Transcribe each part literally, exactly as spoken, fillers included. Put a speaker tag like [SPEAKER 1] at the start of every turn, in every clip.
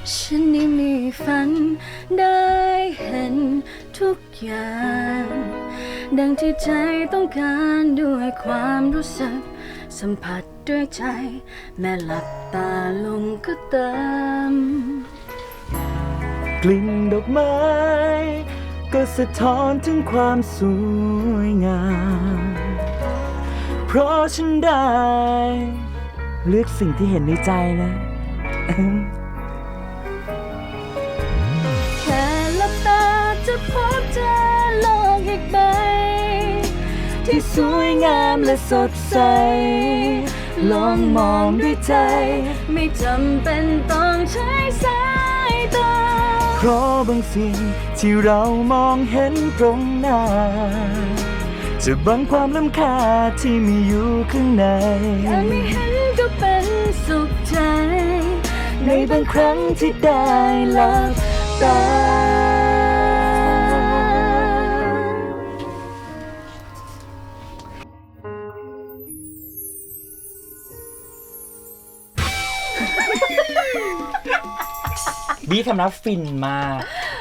[SPEAKER 1] ฉันได้มีฝันได้เห็นทุกอย่างดังที่ใจต้องการด้วยความรู้สึกสัมผัสด้วยใจแม้หลับตาลงก็ตาม
[SPEAKER 2] กลิ่นดอกไม้ก็สะท้อนถึงความสวยงามเพราะฉันได้เลือกสิ่งที่เห็นในใจนะ
[SPEAKER 1] แค่หลับตาจะพบเจอโลกอีกใบที่สวยงามและสดใสลองมองด้วยใจไม่จำเป็นต้องใช้สายตา
[SPEAKER 2] เพราะบางสิ่งที่เรามองเห็นตรงหน้าจะบังความล้ำค่าที่มีอยู่ข้างใน
[SPEAKER 1] แค่ไม่เห็นก็เป็นสุขใจ
[SPEAKER 2] ในบางครั้งที่ได้หลับตาบีทำนะฟินมาก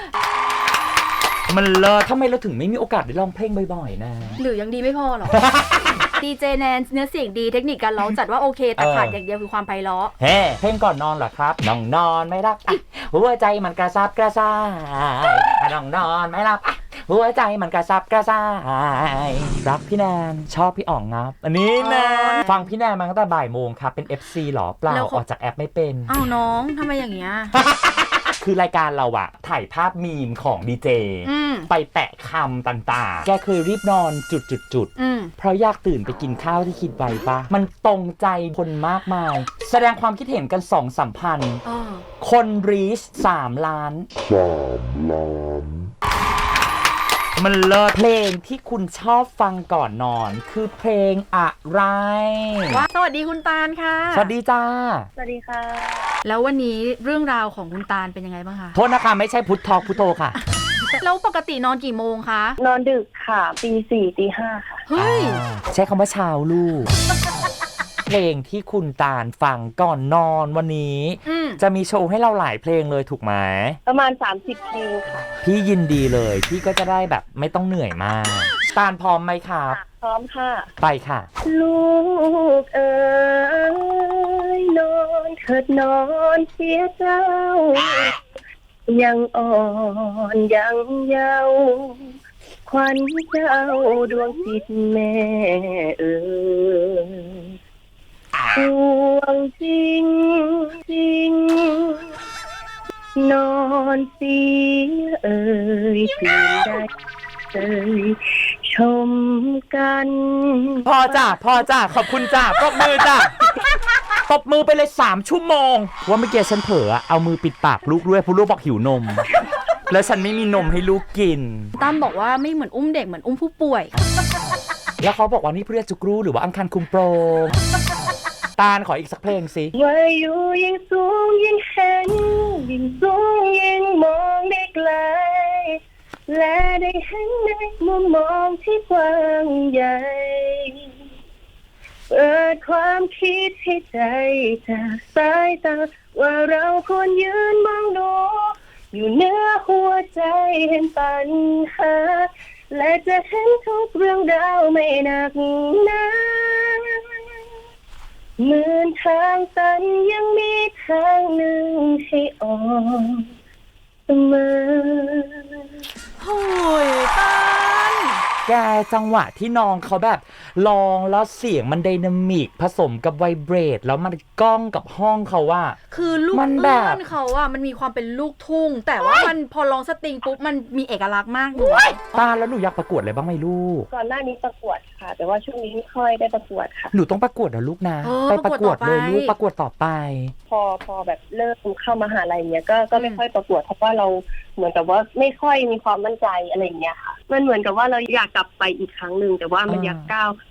[SPEAKER 2] มันเลิศทำไมเราถึงไม่มีโอกาสได้ร้องเพลงบ่อยๆนะ
[SPEAKER 1] หรือยังดีไม่พอหรอ ดีเจแนนเนื้อเสียงดีเทคนิคการร้องจัดว่าโอเคแต่ขาดอย่างเดียวคือความไพเราะ
[SPEAKER 2] เฮ้เพลงก่อนนอนเหรอครับน้องนอนไม่รับหัวใจมันกระซับกระซ่ายน้องนอนไม่รับหัวใจมันกระซับกระซ่ายรักพี่แนนชอบพี่อ๋องครับอันนี้นะฟังพี่แนนมาตั้งแต่บ่ายโมงครับเป็น เอฟ ซี หรอเปล่าออกจากแอปไม่เป็น
[SPEAKER 1] อ้าวน้องทำไมอย่างเงี้ย
[SPEAKER 2] คือรายการเราอะถ่ายภาพมีมของดีเจไปแปะคำต่างๆแกเคยรีบนอนจุดๆๆเพราะอยากตื่นไปกินข้าวที่คิดไว้ปะมันตรงใจคนมากมายแสดงความคิดเห็นกันสองสามพันคนรีชสามล้านสามล้านมันเลิศเพลงที่คุณชอบฟังก่อนนอนคือเพลงอะไร
[SPEAKER 1] ว้าสวัสดีคุณตาลค่ะ
[SPEAKER 2] สวัสดีจ้า
[SPEAKER 3] สวัสดีค่ะ
[SPEAKER 1] แล้ววันนี้เรื่องราวของคุณตาลเป็นยังไงบ้างคะ
[SPEAKER 2] โทษนะคะไม่ใช่พุททอกพุทโธค่ะ
[SPEAKER 1] แล้วปกตินอนกี่โมงคะ
[SPEAKER 3] นอนดึกค่ะตีสี่ตีห้าค่ะ
[SPEAKER 1] เฮ้ย
[SPEAKER 2] ใช้คำว่าเช้าลูกเพลงที่คุณตาลฟังก่อนนอนวันนี้จะมีโชว์ให้เราหลายเพลงเลยถูกไหม
[SPEAKER 3] ประมาณสามสิบเพลงค่ะ
[SPEAKER 2] พี่ยินดีเลยพี่ก็จะได้แบบไม่ต้องเหนื่อยมากตาลพร้อมไหมครับ
[SPEAKER 3] พร้อมค่ะ
[SPEAKER 2] ไปค่ะ
[SPEAKER 3] ลูกเอ๋ยนอนเถิดนอนเสียเจ้ายังอ่อนยังเยาว์ขวัญเจ้าดวงจิตแม่เอ๋ยดวงจริงจริงนอนเสียเอ่ยตื่นได้เอ่ยชมกัน
[SPEAKER 2] พอจ้ะพอจ้ะขอบคุณจ้ะปรบมือจ้ะตบมือไปเลยสามชั่วโมงว่าเมื่อกี้ฉันเผลอเอามือปิดปากลูกด้วยเพราะลูกบอกหิวนมแล้วฉันไม่มีนมให้ลูกกิน
[SPEAKER 1] ตั้มบอกว่าไม่เหมือนอุ้มเด็กเหมือนอุ้มผู้ป่วย
[SPEAKER 2] แล้วเขาบอกว่านี่เพื่อจุกรูหรือว่าอังคารคุมโปรงตาลขออีกสักเพลงสิ
[SPEAKER 3] ว่าอยู่ยิ่งสูงยิ่งเห็นยิ่งสูงยิ่งมองได้ไกลและได้เห็นในมุมมองที่กว้างใหญ่เปิดความคิดให้ใจจากสายตาว่าเราควรยืนมองดูอยู่เหนือหัวใจเห็นปัญหาและจะเห็นทุกเรื่องราวไม่หนักหนาเหมือนทางตันยังมีทางหนึ่งให้ออกเสมอ
[SPEAKER 1] โอ้ยตาล
[SPEAKER 2] แกจังหวะที่น้องเขาแบบลองแล้วเสียงมันไดนามิกผสมกับไวเบรตแล้วมันก้องกับห้องเขาว่า
[SPEAKER 1] คือลูกเอื้อนเขาอะมันมีความเป็นลูกทุ่งแต่ว่ามันพอร้องสตริงปุ๊บมันมีเอกลักษณ์มากเลย
[SPEAKER 2] ตาแล้วหนูอยากประกวดอะไรบ้างไหมลูก
[SPEAKER 3] ก่อนหน้านี้ประกวดค่ะแต่ว่าช่วงนี้ไม่ค่อยได้ประกวดค่ะ
[SPEAKER 2] หนูต้องประกวดนะลูกนะไปประกวดเลยลูกประกวดต่อไป
[SPEAKER 3] พอพอแบบเริ่มเข้ามหาลัยเนี้ยก็ก็ไม่ค่อยประกวดเพราะว่าเราเหมือนกับว่าไม่ค่อยมีความมั่นใจอะไรอย่างเงี้ยค่ะมันเหมือนกับว่าเราอยากกลับไปอีกครั้งหนึ่งแต่ว่ามันอยากก้าว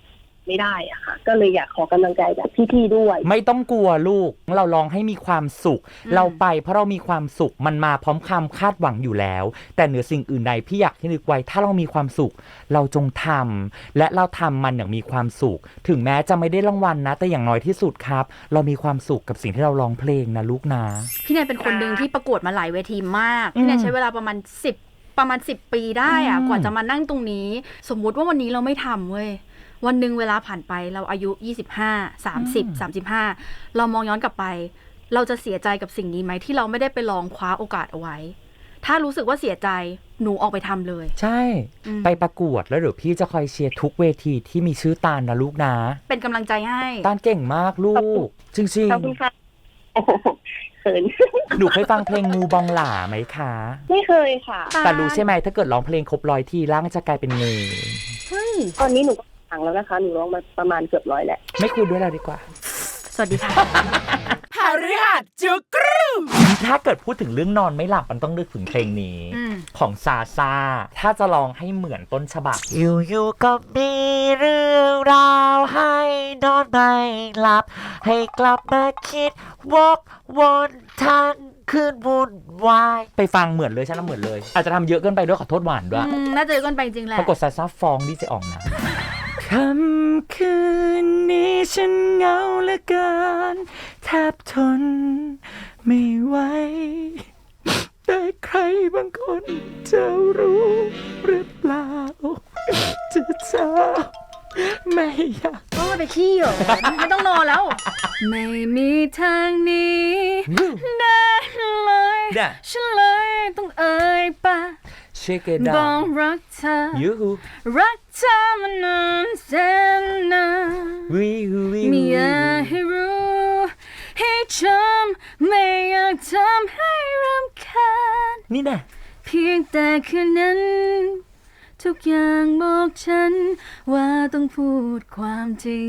[SPEAKER 3] ไม่ได้อะค่ะก็เลยอยากขอกำลังใจจากพี่ๆด้วย
[SPEAKER 2] ไม่ต้องกลัวลูกเราลองให้มีความสุขเราไปเพราะเรามีความสุขมันมาพร้อมคำคาดหวังอยู่แล้วแต่เหนือสิ่งอื่นใดพี่อยากให้นึกไว้ถ้าเรามีความสุขเราจงทำและเราทำมันอย่างมีความสุขถึงแม้จะไม่ได้รางวัลนะแต่อย่างน้อยที่สุดครับเรามีความสุขกับสิ่งที่เราร้องเพลงนะลูกนะ
[SPEAKER 1] พี่แนนเป็นคนหนึ่งที่ประกวดมาหลายเวทีมากพี่แนนใช้เวลาประมาณสิบประมาณสิบปีได้อะกว่าจะมานั่งตรงนี้สมมุติว่าวันนี้เราไม่ทำเว้ยวันหนึ่งเวลาผ่านไปเราอายุยี่สิบห้า สามสิบ สามสิบห้าเรามองย้อนกลับไปเราจะเสียใจกับสิ่งนี้ไหมที่เราไม่ได้ไปลองคว้าโอกาสเอาไว้ถ้ารู้สึกว่าเสียใจหนูออกไปทำเลย
[SPEAKER 2] ใช่ไปประกวดแล้วเดี๋ยวพี่จะคอยเชียร์ทุกเวทีที่มีชื่อตาลนะลูกนะ
[SPEAKER 1] เป็นกำลังใจให้
[SPEAKER 2] ตาลเก่งมากลูกจริงจริง
[SPEAKER 3] ขอบคุณค่ะเขิน
[SPEAKER 2] หนูเคยฟังเพลงงูบองหล่าไหมคะ
[SPEAKER 3] ไม่เคยค่ะ
[SPEAKER 2] แต่รู้ใช่ไหมถ้าเกิดร้องเพลงครบร้อยทีร่างจะกลายเป็นงู
[SPEAKER 1] เฮ้ย
[SPEAKER 3] ตอนนี้หนูก็ฟังแล้วนะคะหนูร้องมาประมาณเกือบร้อยแล้ว
[SPEAKER 2] ไม่คุยด้วยเราดีกว่า
[SPEAKER 1] สวัสดีค่ะ
[SPEAKER 2] หาฤหัสจุกรูถ้าเกิดพูดถึงเรื่องนอนไม่หลับมันต้องนึกถึงเพลงนี้ของซาซาถ้าจะลองให้เหมือนต้นฉบับอยู่ๆก็มีเรื่องราวให้นอนไม่หลับให้กลับมาคิดวกวนทั้งคืนวุ่นวายไปฟังเหมือนเลยฉันน่ะเหมือนเลยอาจจะทำเยอะเกินไปด้วยขอโทษหวานด้วย
[SPEAKER 1] น่าจะเยอะเกินไปจริงแหละ
[SPEAKER 2] ปรากฏซาซาฟ้องดีเจอ๋องนะค่ำคืนนี้ฉันเหงาเหลือเกินแทบทนไม่ไหวแต่ใครบางคนจะรู้หรือเปล่าจะเจอไม่อยาก
[SPEAKER 1] ก็ไปขี้เหรอไม่ต้องนอนแล้วไม่มีทางนี้ได้เลยฉันเลยต้องเอ่ยปากบอกรักเธอรักเธอมานานแสนนานไม่อยากให้รู้ให้จำไม่อยากทำให้รำคาญ
[SPEAKER 2] นี่นะ
[SPEAKER 1] เพียงแต่คืนนั้นทุกอย่างบอกฉันว่าต้องพูดความจริง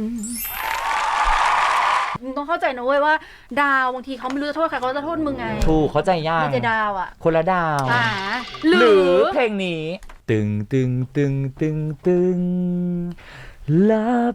[SPEAKER 1] มึงต้องเข้าใจนะเว้ยว่าดาวบางทีเขาไม่รู้จะโทษใครเขาจะโทษมึงไง
[SPEAKER 2] ถูกเข้าใจยาก
[SPEAKER 1] ไม่ใช่ดาวอ่ะ
[SPEAKER 2] คนละดาวหรือเพลงนี้ตึงตึงตึงตึงตึงลับ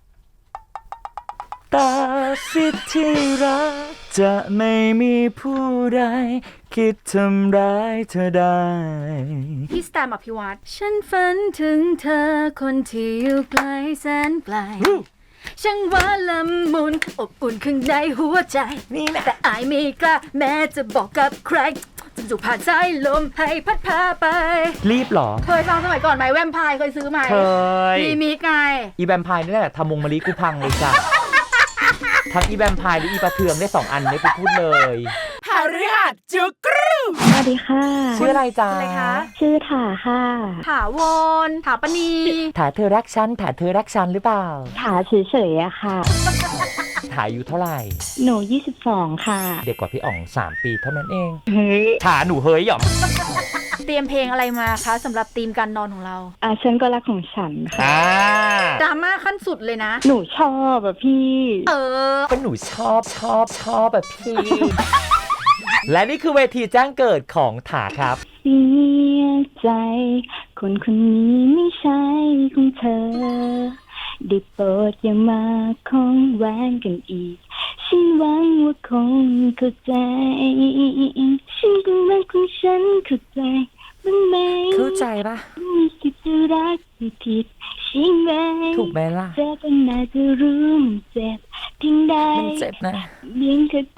[SPEAKER 2] ตาสิทธิรักจะไม่มีผู้ใดคิดทำร้ายเธอได้
[SPEAKER 1] พี่สแตมอภิวัตรฉันฝันถึงเธอคนที่อยู่ไกลแสนไกลช่างว่าละมุนอบอุ่นข้างในหัวใจนี่แหละแต่อายไม่กล้าแม้จะบอกกับใครจนจุกผ่านสายลมให้พัดพาไป
[SPEAKER 2] รีบหรอ
[SPEAKER 1] เคยฟังสมัยก่อนไหมแวมไพร์เคยซื้อไหม
[SPEAKER 2] เคย
[SPEAKER 1] มีมีไง
[SPEAKER 2] อีแวมไพร์นี่แหละทำมงมะลิกูพังเลยจ้ะทั้งอีแวมไพร์และอีปลาเทืองได้สองอันได้ไปพูดเลยหาฤหัสจุกรู
[SPEAKER 3] สวัสดีค่ะ
[SPEAKER 2] ชื่ออะไรจ๊ะ
[SPEAKER 1] อะไรคะ
[SPEAKER 3] ชื่อถาค่ะ
[SPEAKER 1] ถาวรถาปณี
[SPEAKER 2] ถาเธอรักฉันถาเธอรักฉันหรือเปล่า
[SPEAKER 3] ถาเฉยๆอะค่ะ
[SPEAKER 2] ถาอายุเท่าไหร่
[SPEAKER 3] หนูยี่สิบสองค่ะ
[SPEAKER 2] เด็กกว่าพี่อ๋องสามปีเท่านั้นเอง
[SPEAKER 3] เฮ้ย
[SPEAKER 2] ถาหนูเฮ้ยหรอ
[SPEAKER 1] เตรียมเพลงอะไรมาคะสำหรับธีมการนอนของเรา
[SPEAKER 3] อ่าฉันก็รักของฉันค่ะ
[SPEAKER 1] ดราม่าขั้นสุดเลยนะ
[SPEAKER 3] หนูชอบแบบพี่
[SPEAKER 1] เออ
[SPEAKER 2] ก็หนูชอบชอบชอบแบบพี่และนี่คือเวทีแจ้งเกิดของถาครับ
[SPEAKER 3] เสียใจคนคนนี้ไม่ใช่ของเธอได้โปรดอย่ามาคงแหวนกันอีกฉันหวังว่าคงเข้าใจฉันก็รักของฉันเข้าใจบ้างไหม
[SPEAKER 2] เข้าใจปะ
[SPEAKER 3] มีสิทธิ์จะรักไม่ผิดใช่ไหม
[SPEAKER 2] ถูกไหมล่ะ
[SPEAKER 3] เจ็บน่าจะรู้มันเจ็บทิ้งได้
[SPEAKER 2] มันเจ็บนะ
[SPEAKER 3] เลี้ยงเธอ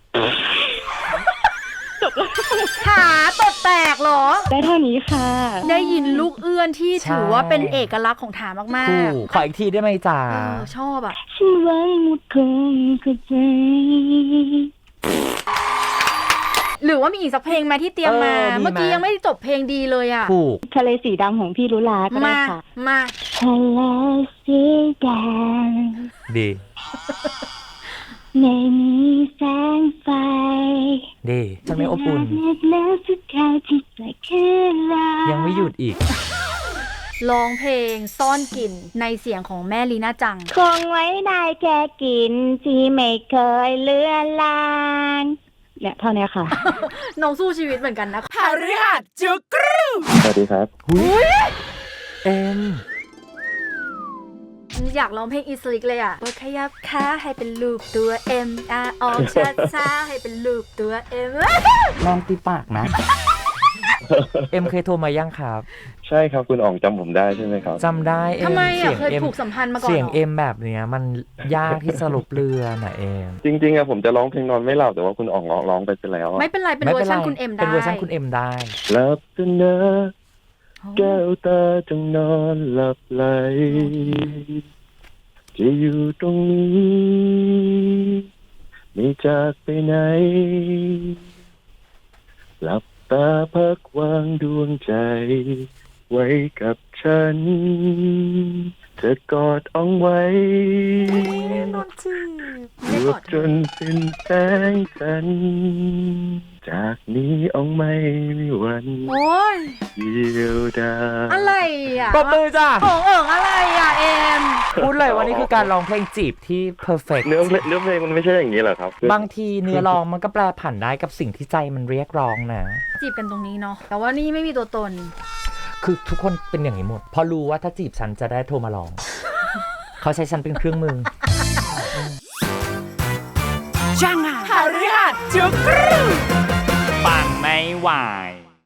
[SPEAKER 1] ขาตดแตกหรอ
[SPEAKER 3] ได้เท่านี้ค่ะ
[SPEAKER 1] ได้ยินลูกเอื้อนที่ถือว่าเป็นเอกลักษณ์ของถามาก
[SPEAKER 2] ๆขออีกทีได้ไหมจ๊ะ
[SPEAKER 1] ชอบอ่ะ
[SPEAKER 3] ฉันหวังว่าคงเข้าใจ
[SPEAKER 1] หรือว่ามีอีกสักเพลงไหมที่เตรียมมาเมื่อกี้ยังไม่จบเพลงดีเลยอ่ะ
[SPEAKER 2] ถูก
[SPEAKER 3] ทะเลสีดำของพี่ลุลาก็ได้ค่ะ
[SPEAKER 1] มา
[SPEAKER 3] ทะเลสีดำ
[SPEAKER 2] ดี
[SPEAKER 3] ไม่มีแสงไฟ
[SPEAKER 2] ดีฉันไม่อบอุ่นยังไม่หยุดอีก
[SPEAKER 1] ร้องเพลงซ่อนกลิ่นในเสียงของแม่ลีน่าจัง
[SPEAKER 3] คงไว้ได้แค่กลิ่นที่ไม่เคยเลือนลางเนี่ยเท่านี้ค่ะ
[SPEAKER 1] น้องสู้ชีวิตเหมือนกันนะ
[SPEAKER 2] หาฤหัสจุกรู
[SPEAKER 4] สวัสดีครับ
[SPEAKER 2] หุ้ยเอ็ม
[SPEAKER 1] อยากร้องเพลงอีสลิกเลยอ่ะขยับขาให้เป็นลูกตัว M R ออกช้าช้าให้เป็นลูกตัว M
[SPEAKER 2] ลองตีปากนะ เอ็มเคยโทรมายังครับ
[SPEAKER 4] ใช่ครับคุณอ๋องจำผมได้ใช่ไหมครับ
[SPEAKER 2] จำได้เอ็ม
[SPEAKER 1] ทำไมอ่ะ
[SPEAKER 2] สีง
[SPEAKER 1] เคยผูกสัมพันธ์มาก่อน
[SPEAKER 2] เสียง
[SPEAKER 1] หรอ
[SPEAKER 2] เอ็มแบบเนี้ยมันยากที่สรุปเรือน่ะเอ็ม
[SPEAKER 4] จริงๆอะผมจะร้องเพลงนอนไม่หลับแต่ว่าคุณอ๋องร้องร้องไปไปแล้วอะ
[SPEAKER 1] ไม่เป็นไรเป็นเวอร์ชันคุณเอ็มได้
[SPEAKER 2] เป็นเวอร์ชันคุณเอ็มได้
[SPEAKER 4] หลับตานะแก้วตาจงนอนหลับไหลจะอยู่ตรงนี้ไม่จากไปไหนหลับตาพักวางดวงใจไว้กับฉันเธอกอดอ่องไว้รวบจนเป็นแสงจันทร์จากนี้อ่องไม่มีวัน
[SPEAKER 1] โอ้ย
[SPEAKER 4] เดียวดาย
[SPEAKER 1] อะไรอ่ะ
[SPEAKER 2] ปรบมือจ้ะ
[SPEAKER 1] โอ่งเอิงอะไรอ่ะเอ็ม
[SPEAKER 2] พูดเลยว่านี่คือการร้องเพลงจีบที่ perfect
[SPEAKER 4] เนื้อเพลงเนื้อเพลงมันไม่ใช่อย่างนี้เหรอครับ
[SPEAKER 2] บางทีเนื้อร้องมันก็แปลผันได้กับสิ่งที่ใจมันเรียกร้องนะ
[SPEAKER 1] จีบกันตรงนี้เนาะแต่ว่านี่ไม่มีตัวตน
[SPEAKER 2] คือทุกคนเป็นอย่างนี้หมดเพราะรู้ว่าถ้าจีบฉันจะได้โทรมาร้อง เขาใช้ฉันเป็นเครื่องมือจังอ่ะหาเรื่องจุกรูปังไม่ไหว